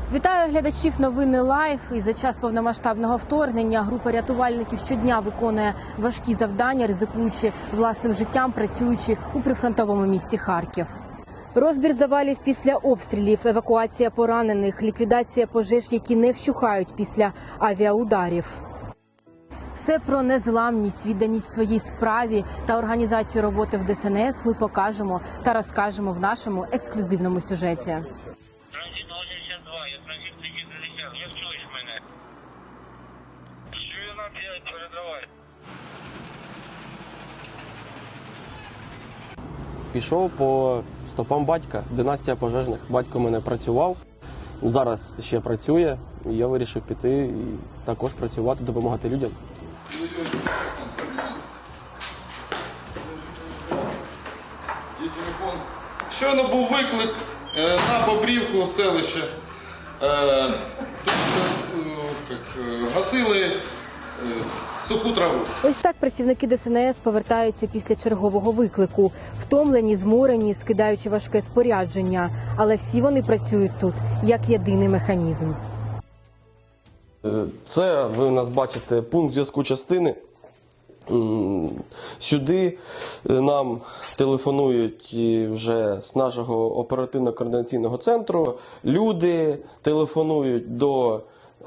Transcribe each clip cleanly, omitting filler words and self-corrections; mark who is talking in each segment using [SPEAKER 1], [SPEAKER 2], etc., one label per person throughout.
[SPEAKER 1] Вітаю глядачів новини Лайф. І за час повномасштабного вторгнення група рятувальників щодня виконує важкі завдання, ризикуючи власним життям, працюючи у прифронтовому місті Харків. Розбір завалів після обстрілів, евакуація поранених, ліквідація пожеж, які не вщухають після авіаударів. Все про незламність, відданість своїй справі та організацію роботи в ДСНС ми покажемо та розкажемо в нашому ексклюзивному сюжеті.
[SPEAKER 2] Як чуєш мене? Чую на 5, передавай.
[SPEAKER 3] Пішов по стопам батька, династія пожежних. Батько в мене працював, зараз ще працює. І я вирішив піти і також працювати, допомагати людям.
[SPEAKER 4] Щойно був виклик на Бобрівку, селище. Тут гасили суху траву.
[SPEAKER 1] Ось так працівники ДСНС повертаються після чергового виклику. Втомлені, зморені, скидаючи важке спорядження. Але всі вони працюють тут як єдиний механізм.
[SPEAKER 3] Це, ви у нас бачите, пункт зв'язку частини. Сюди нам телефонують вже з нашого оперативно-координаційного центру. Люди телефонують до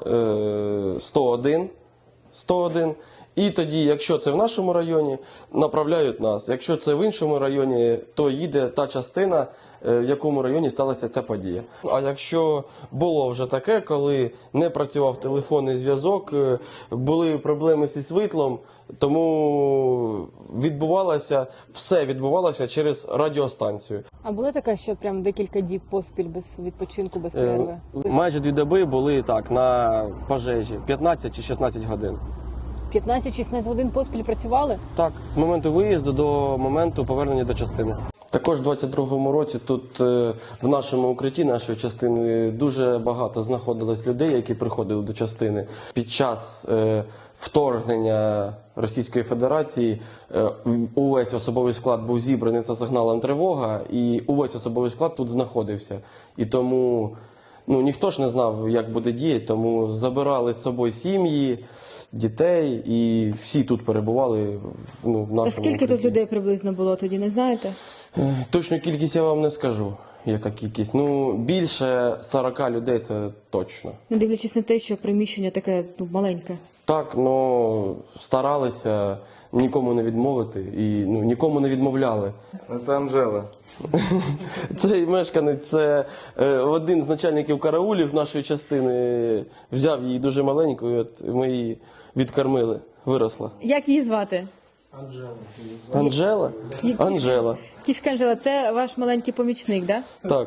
[SPEAKER 3] 101. І тоді, якщо це в нашому районі, направляють нас. Якщо це в іншому районі, то їде та частина, в якому районі сталася ця подія. А якщо було вже таке, коли не працював телефонний зв'язок, були проблеми зі світлом, тому все відбувалося через радіостанцію.
[SPEAKER 1] А було таке, що прям декілька діб поспіль без відпочинку, без перерви?
[SPEAKER 3] Майже 2 доби були так на пожежі, 15 чи 16 годин.
[SPEAKER 1] 15-16 годин поспіль працювали?
[SPEAKER 3] Так, з моменту виїзду до моменту повернення до частини. Також у 22-му році тут в нашому укритті нашої частини дуже багато знаходилось людей, які приходили до частини. Під час вторгнення Російської Федерації увесь особовий склад був зібраний за сигналом тривога, і увесь особовий склад тут знаходився. І тому ніхто ж не знав, як буде діяти, тому забирали з собою сім'ї, дітей, і всі тут перебували в нашому
[SPEAKER 1] А скільки
[SPEAKER 3] укритті.
[SPEAKER 1] тут людей приблизно було тоді, не знаєте?
[SPEAKER 3] Точну кількість я вам не скажу, яка кількість. Більше 40 людей це точно.
[SPEAKER 1] Не дивлячись на те, що приміщення таке маленьке.
[SPEAKER 3] Так, старалися нікому не відмовити і нікому не відмовляли.
[SPEAKER 4] Це Анжела.
[SPEAKER 3] Цей мешканець, це один з начальників караулів нашої частини, взяв її дуже маленьку, і от ми її відкормили, виросла.
[SPEAKER 1] Як її звати?
[SPEAKER 3] Анжела? Анжела.
[SPEAKER 1] Кішка Анжела, це ваш маленький помічник, так?
[SPEAKER 3] Так.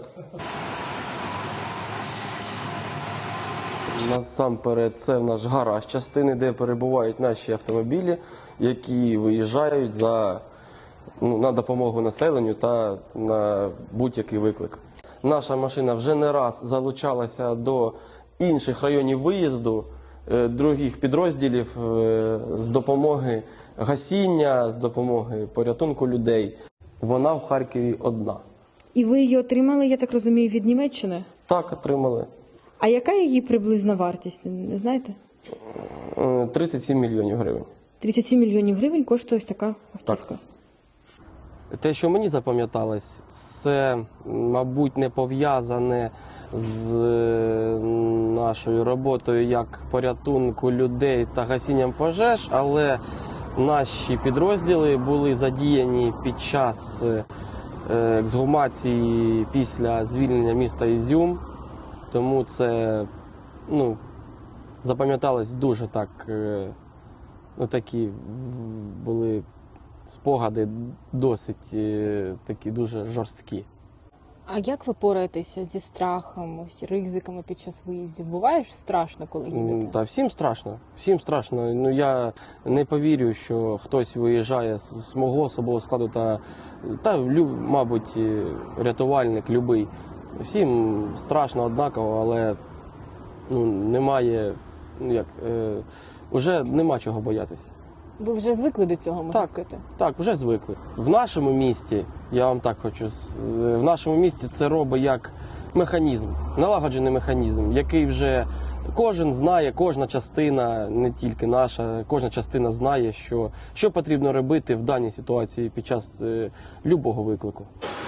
[SPEAKER 3] Насамперед, це в наш гараж частини, де перебувають наші автомобілі, які виїжджають на допомогу населенню та на будь-який виклик. Наша машина вже не раз залучалася до інших районів виїзду, других підрозділів з допомоги гасіння, з допомоги порятунку людей. Вона в Харкові одна.
[SPEAKER 1] І ви її отримали, я так розумію, від Німеччини?
[SPEAKER 3] Так, отримали.
[SPEAKER 1] А яка її приблизна вартість, не знаєте?
[SPEAKER 3] 37 мільйонів гривень.
[SPEAKER 1] 37 мільйонів гривень коштує ось така автівка.
[SPEAKER 3] Так. Те, що мені запам'яталось, це, мабуть, не пов'язане з нашою роботою як порятунку людей та гасінням пожеж, але наші підрозділи були задіяні під час ексгумації після звільнення міста Ізюм, тому це запам'яталось дуже так, такі були спогади досить такі дуже жорсткі.
[SPEAKER 1] А як ви пораєтеся зі страхом, ризиками під час виїздів? Буває ж страшно, коли їдете?
[SPEAKER 3] Та всім страшно. Всім страшно. Я не повірю, що хтось виїжджає з мого особового складу мабуть, рятувальник любий. Всім страшно однаково, але немає, уже нема чого боятися.
[SPEAKER 1] Ви вже звикли до цього, можна сказати?
[SPEAKER 3] Так, вже звикли. В нашому місті, я вам так хочу, в нашому місті це робить як механізм, налагоджений механізм, який вже кожен знає, кожна частина, не тільки наша, кожна частина знає, що потрібно робити в даній ситуації під час любого виклику.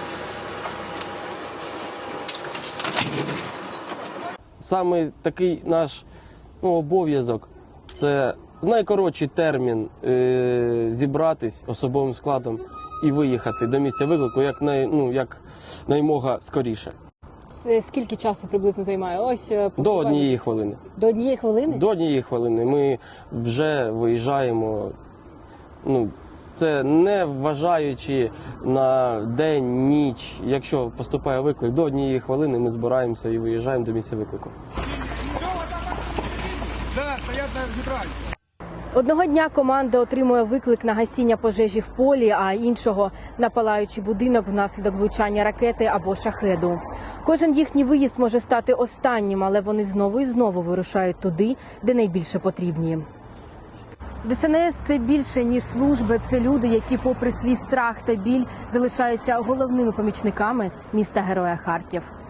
[SPEAKER 3] Саме такий наш обов'язок – це в найкоротший термін зібратись особовим складом і виїхати до місця виклику як наймога скоріше.
[SPEAKER 1] Це скільки часу приблизно займає? Ось
[SPEAKER 3] До 1 хвилини.
[SPEAKER 1] До 1 хвилини?
[SPEAKER 3] До 1 хвилини ми вже виїжджаємо. Це не вважаючи на день, ніч. Якщо поступає виклик, до 1 хвилини ми збираємося і виїжджаємо до місця виклику.
[SPEAKER 1] Одного дня команда отримує виклик на гасіння пожежі в полі, а іншого – на палаючий будинок внаслідок влучання ракети або шахеду. Кожен їхній виїзд може стати останнім, але вони знову і знову вирушають туди, де найбільше потрібні. ДСНС – це більше, ніж служби. Це люди, які попри свій страх та біль залишаються головними помічниками міста-героя Харків.